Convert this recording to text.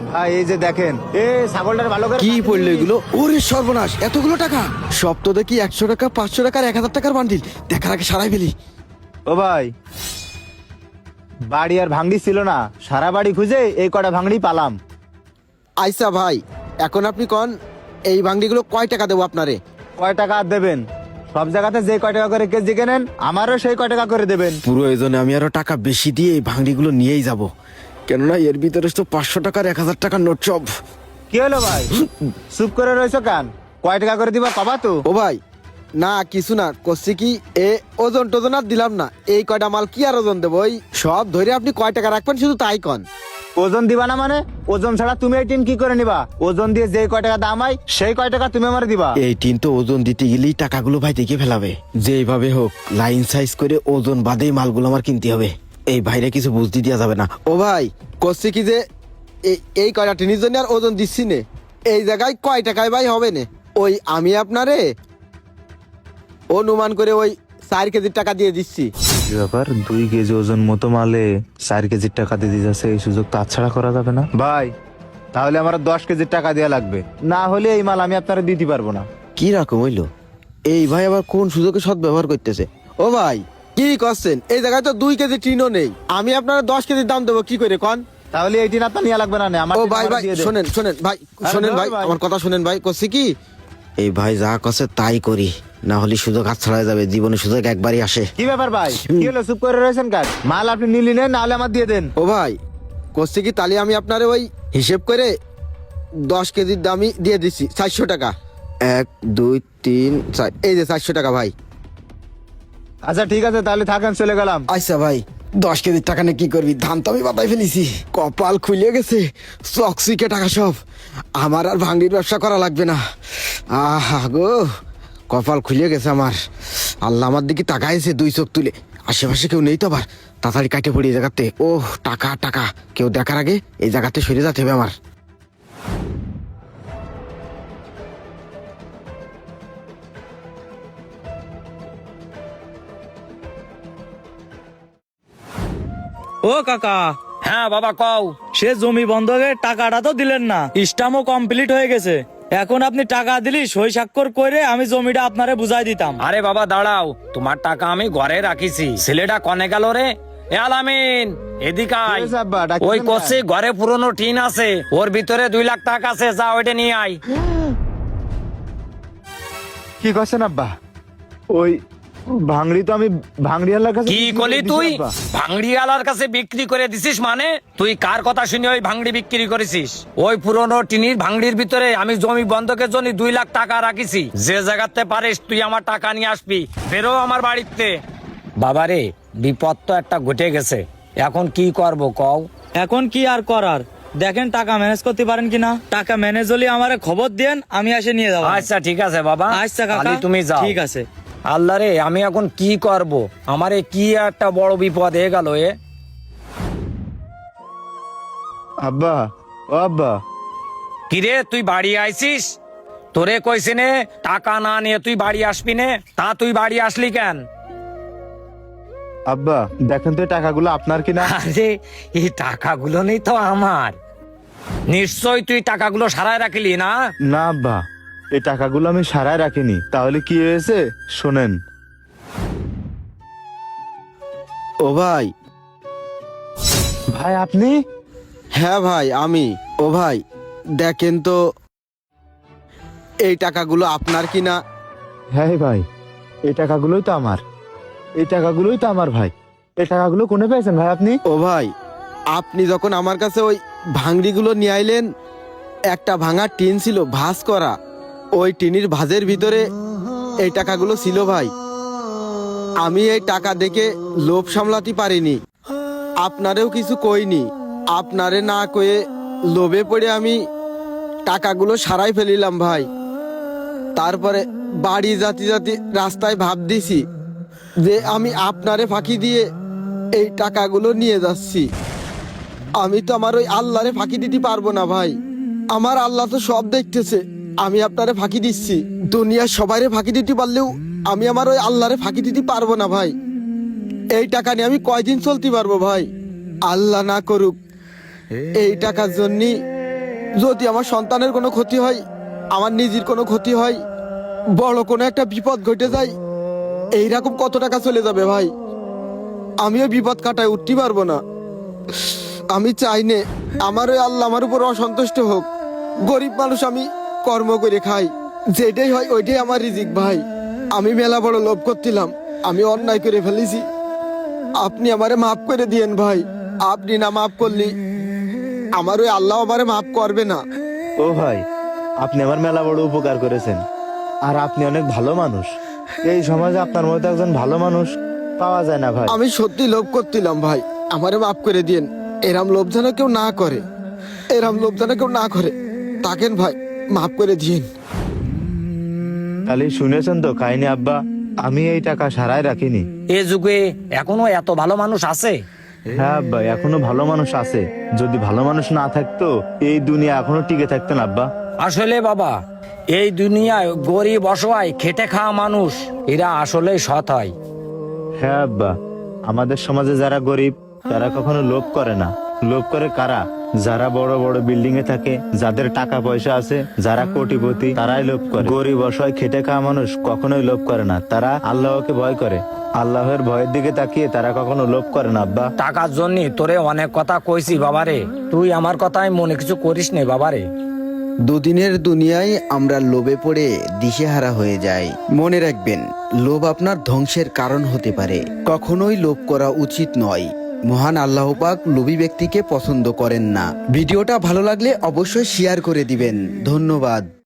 ভাই এই যে দেখেন, ছাগলটার ভালো করে কি পড়লো এগুলো? ওরে সর্বনাশ, এতগুলো টাকা! সব তো দেখি 100 টাকা, 500 টাকার, 1000 টাকার বান্ডিল। দেখার আগে সারাই ফেলি। ও ভাই, বাড়ি আর ভাঙড়ি ছিল না, সারা বাড়ি খুঁজে এই কটা ভাঙড়ি পালাম। আইসা ভাই, এখন আপনি কন এই ভাঙ্গিগুলো কয় টাকা দেবো আপনারে? কয় টাকা আর দেবেন? সব জায়গাতে যে কয় টাকা করে কেজি কেনেন, আমারও সেই কয় টাকা করে দেবেন। পুরো এজনে আমি আরো টাকা বেশি দিয়ে এই ভাঙ্গিগুলো নিয়েই যাব, কেননা এর ভিতরে তো 500 টাকার, 1000 টাকার নোট সব। কি হলো ভাই, চুপ করে রয়েছো কেন? কয় টাকা করে দিবা কবা তো? ও ভাই, না কিছু না, করছি কি ওজন টোজন আর দিলাম না। এই কয়টা মাল কি আর ওজন দেবো? ওই সব ধরে আপনি কয় টাকা রাখবেন শুধু তাই কন। ওজন দিবা না মানে? ওজন ছাড়া তুমি এই টিন কি করে নিবা? ওজন দিয়ে যে কয় টাকা দাম হয় সেই কয় টাকা তুমি আমার দিবা। এই টিন তো ওজন দিতে গেলেই টাকাগুলো ভাই দেখে ফেলাবে। যেভাবে হোক লাইন সাইজ করে ওজন বাদেই মালগুলো আমার কিনতে হবে। এই ভাইরে কিছু বুঝতে দেওয়া যাবে না। ও ভাই, করছি কি যে এই কয়টা টিনের জন্য আর ওজন দিচ্ছি নে। এই জায়গায় কয় টাকায় ভাই হবে না? ওই আমি আপনারে অনুমান করে ওই 4 কেজির টাকা দিয়ে দিচ্ছি। ব্যাপার, 2 কেজি ওজন মতো মালে 4 কেজির টাকা দিয়ে দিতেছে, এই সুযোগ তো ছাড়া করা যাবে না ভাই। তাহলে আমার 10 কেজির টাকা দেওয়া লাগবে, না হলে এই মাল আমি আপনারা দিতে পারবো না। কি রকম হইলো? এই ভাই আবার কোন সুযোগে সৎ ব্যবহার করতেছে? ও ভাই, কি করছেন? এই জায়গায় তো 2 কেজি টিনও নেই, আমি আপনার 10 কেজির দাম দেবো কি করে কন? তাহলে এই টিন আপনার নিয়ে লাগবে না। আমার ও টিন ভাই আমার ভাই দিয়ে দেন। শোনেন শোনেন ভাই, শোনেন ভাই, আমার কথা শোনেন ভাই। করছি কি, এই ভাই যা করছে তাই করি, না হলে সুযোগ হাত ছাড়া যাবে। জীবনে সুযোগ একবারই আসে। কি ব্যাপার ভাই, কি হলো চুপ করে রয়েছেন কাজ? মাল আপনি নিলি নেন, নাহলে আমার দিয়ে দেন। ও ভাই, করছি কি, তাহলে আমি আপনার ওই হিসেব করে 10 কেজির দামই দিয়ে দিচ্ছি 400 টাকা। 1 2 3 4, এই যে 400 টাকা ভাই। আচ্ছা ঠিক আছে, তাহলে থাকেন, চলে গেলাম। আচ্ছা ভাই, 10 কেজির টাকা নিয়ে কি করবি? ধান তো আমি বাতাই ফেলেছি, কপাল খুলে গেছে, চকচিকে টাকা সব। আমার আর ভাঙ্গির ব্যবসা করা লাগবে না। আহা গো, কপাল খুলে গেছে আমার। আল্লাহ আমার দিকে তাকাইছে 2 চোখ তুলে। আশেপাশে কেউ নেই তো আবার, তাড়াতাড়ি কাটে পড়ি এই জায়গাতে। ও টাকা টাকা, কেউ দেখার আগে এই জায়গাতে সরে যেতে হবে আমার। ও কাকা, হ্যাঁ বাবা কও। সে জমি বন্ধকের টাকাটা তো দিলেন না, স্টাম্পও কমপ্লিট হয়ে গেছে। এখন আপনি টাকা দিলি সই স্বাক্ষর করে আমি জমিটা আপনারে বুঝাই দিতাম। আরে বাবা দাঁড়াও, তোমার টাকা আমি ঘরে রাখিছি। ছেলেটা কনে গেল রে? এ আলামিন, এদিকে আয়। কি হয়েছে আব্বা, ডাকছেন ওই কেন? করছে ঘরে পুরনো টিন আছে, ওর ভিতরে 2 লাখ টাকা আছে, যা ওইটা নিয়ে আয়। কি করছেন আব্বা? ওই ভাঙড়ি তো আমি ভাঙড়িওয়ালার কাছে কি বিক্রি করে করলি দিছি তুই? আব্বা। ভাঙড়িওয়ালার কাছে বিক্রি করে দিছিস মানে? তুই কার কথা শুনে ওই ভাঙড়ি বিক্রি করেছিস? ওই পুরনো টিনির ভাঙড়ির ভিতরে আমি জমি বন্ধকের জন্য 2 লাখ টাকা রাখিছি। যে জায়গাতে পারিস তুই আমার টাকা নিয়ে আসবি, বেরো আমার বাড়িতে। বাবারে, বিপদ তো একটা ঘটে গেছে, এখন কি করব কও? এখন কি আর করার, দেখেন টাকা ম্যানেজ করতে পারেন কিনা। টাকা ম্যানেজ হলে আমারে খবর দেন, আমি এসে নিয়ে যাবো। আচ্ছা ঠিক আছে বাবা, আচ্ছা কাকা, তাহলে তুমি যাও। ঠিক আছে। আল্লাহ রে, আমি এখন কি করব? আমারে কি একটা বড় বিপদ হয়ে গেল এ। আব্বা, ও আব্বা, কিরে তুই বাড়ি আইছিস? তোরে কইছে নে টাকা না নিয়ে তুই বাড়ি আসবি নে, তা তুই বাড়ি আসলি কেন? আব্বা দেখেন তো এই টাকাগুলো আপনার কিনা? আরে এই টাকাগুলো নেই তো আমার। নিশ্চয় তুই টাকাগুলো সারায় রাখিলি না? না আব্বা, এই টাকাগুলো আমি সারায় রাখিনি। তাহলে কি হয়েছে শোনেন। ও ভাই, ভাই আপনি? হ্যাঁ ভাই আমি। ও ভাই দেখেন তো এই টাকাগুলো আপনার কিনা। হ্যাঁ ভাই, এই টাকাগুলোই তো আমার, এই টাকাগুলোই তো আমার ভাই। এই টাকাগুলো কোনে পেয়েছেন ভাই আপনি? ও ভাই, আপনি যখন আমার কাছে ওই ভাঙড়িগুলো নিয়ে আইলেন, একটা ভাঙা টিন ছিল ভাঁজ করা, ওই টিনের ভাঁজের ভিতরে এই টাকাগুলো ছিল ভাই। আমি এই টাকা দেখে লোভ সামলাতে পারিনি, আপনারেও কিছু কইনি। আপনারে না কয়ে লোভে পড়ে আমি টাকাগুলো সারাই ফেলিলাম ভাই। তারপরে বাড়ি জাতি জাতি রাস্তায় ভাব দিছি যে আমি আপনারে ফাঁকি দিয়ে এই টাকাগুলো নিয়ে যাচ্ছি। আমি তো আমার ওই আল্লাহরে ফাঁকি দিতে পারবো না ভাই। আমার আল্লাহ তো সব দেখতেছে, আমি আপনারে ফাঁকি দিচ্ছি। দুনিয়ার সবাইরে ফাঁকি দিতে পারলেও আমি আমার ওই আল্লাহরে ফাঁকি দিতে পারবো না ভাই। এই টাকা নিয়ে আমি কয়দিন চলতে পারবো ভাই? আল্লাহ না করুক এই টাকার জন্য যদি আমার সন্তানের কোনো ক্ষতি হয়, আমার নিজের কোনো ক্ষতি হয়, বড় কোনো একটা বিপদ ঘটে যায়, এইরকম কত টাকা চলে যাবে ভাই। আমিও বিপদ কাটায় উঠতে পারবো না। আমি চাই নে আমার ওই আল্লাহ আমার উপর অসন্তুষ্ট হোক। গরিব মানুষ, আমি কর্ম করে খাই, যেটাই হয় ওইটাই আমার রিজিক ভাই। আমি মেলা বড় লোভ করছিলাম, আমি অন্যায় করে ফেলেছি। আপনি আমারে মাফ করে দিয়েন ভাই। আপনি না মাফ করলি আমার ওই আল্লাহ আমারে মাফ করবে না। ও ভাই, আপনি আমার মেলা বড় উপকার করেছেন, আর আপনি অনেক ভালো মানুষ। এই সমাজে আপনার মতো একজন ভালো মানুষ পাওয়া যায় না ভাই। আমি সত্যি লোভ করছিলাম ভাই, আমারে মাফ করে দিয়েন। এরাম লোভ যেন কেউ না করে, এরাম লোভ যেন কেউ না করে। তাকেন ভাই, মাফ করে দিয়েন। খালি শুনেছেন তো কাহিনী আব্বা, আমি এই টাকা সারাই রাখিনি। এ যুগে এখনো এত ভালো মানুষ আছে? হ্যাঁ আব্বা, এখনো ভালো মানুষ আছে। যদি ভালো মানুষ না থাকতো এই দুনিয়া এখনো টিকে থাকতো না আব্বা। আসলে বাবা, এই দুনিয়ায় গরিব অসহায় খেটে খাওয়া মানুষ এরা আসলে সৎ হয়। হ্যাঁ আব্বা, আমাদের সমাজে যারা গরিব তারা কখনো লোভ করে না। লোভ করে কারা? যারা বড় বড় বিল্ডিং এ থাকে, যাদের টাকা পয়সা আছে, যারা কোটিপতি, তারাই লোভ করে। গরিব অসহায় খেটে খাওয়া মানুষ কখনোই লোভ করে না। তারা আল্লাহকে ভয় করে, আল্লাহর ভয়ের দিকে তাকিয়ে তারা কখনো লোভ করে না আব্বা। টাকার জন্য তোরে অনেক কথা কইছি বাবারে, তুই আমার কথায় মনে কিছু করিস নে বাবারে। দুদিনের দুনিয়ায় আমরা লোভে পড়ে দিশেহারা হয়ে যাই। মনে রাখবেন, লোভ আপনার ধ্বংসের কারণ হতে পারে। কখনোই লোভ করা উচিত নয়। মহান আল্লাহ পাক লোভী ব্যক্তিকে পছন্দ করেন না। ভিডিওটা ভালো লাগলে অবশ্যই শেয়ার করে দিবেন। ধন্যবাদ।